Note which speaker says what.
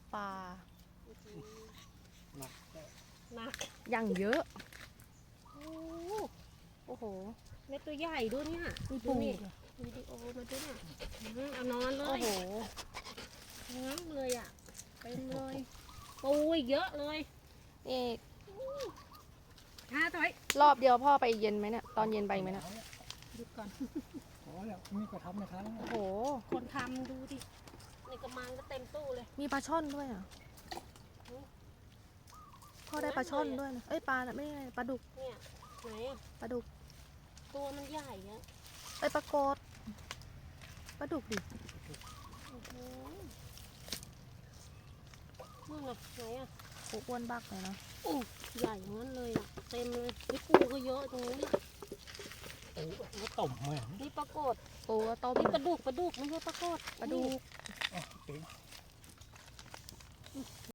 Speaker 1: ปลา
Speaker 2: หนัก
Speaker 3: หนัก
Speaker 1: อย่างเยอะ
Speaker 3: โอ้
Speaker 1: โอ้โห
Speaker 3: เม็ดตัวใหญ่ด้วยเนี่ย
Speaker 1: มี
Speaker 3: ดู
Speaker 1: ปู
Speaker 3: นี่วิดีโอมาด้วยเนี่ยเอานอนเล
Speaker 1: โอ้
Speaker 3: ย
Speaker 1: โห
Speaker 3: งั้มเลยอ่ะเต็มเลยปูอีกเยอะเลย
Speaker 1: นี่
Speaker 3: ถอย
Speaker 1: รอบเดียวพ่อไปเย็นไหมเนี่ย ตอนเย็นไปไหมเนี่ย
Speaker 3: หยุดก่อน
Speaker 2: โอ้ยมีกระทำในครั้ง
Speaker 1: โอ้โห
Speaker 3: คนทำดูดิในกระมังก็เต็มตู้เลย
Speaker 1: มีปลาช่อนด้วยอ่ะ พ่อได้ปลาช่อนด้วยนะ เอ้ยปลาน่ะไม่ใช่ปลาดุก
Speaker 3: เนี่ยไหนอะ
Speaker 1: ปลาดุก
Speaker 3: ตัวมันใหญ่อะ
Speaker 1: เอ้ยปลาโกดปลาดุกดิ
Speaker 3: โอ้โหนู่นน่ะไหนอะ
Speaker 1: โอ้อ้วนบักเลยนะ
Speaker 3: โอ้ใหญ่งั้นเลยอะเต็มเลยนี่ปูก็เยอะตรงนี้น
Speaker 2: โอ้ยต่มเหมือน
Speaker 3: นี่ปลากด
Speaker 1: ปูก็ต้ม
Speaker 3: นี่ปลาดุกไม่ใช่ปลากด
Speaker 1: ปลาดุก
Speaker 2: อ๋อเต็ม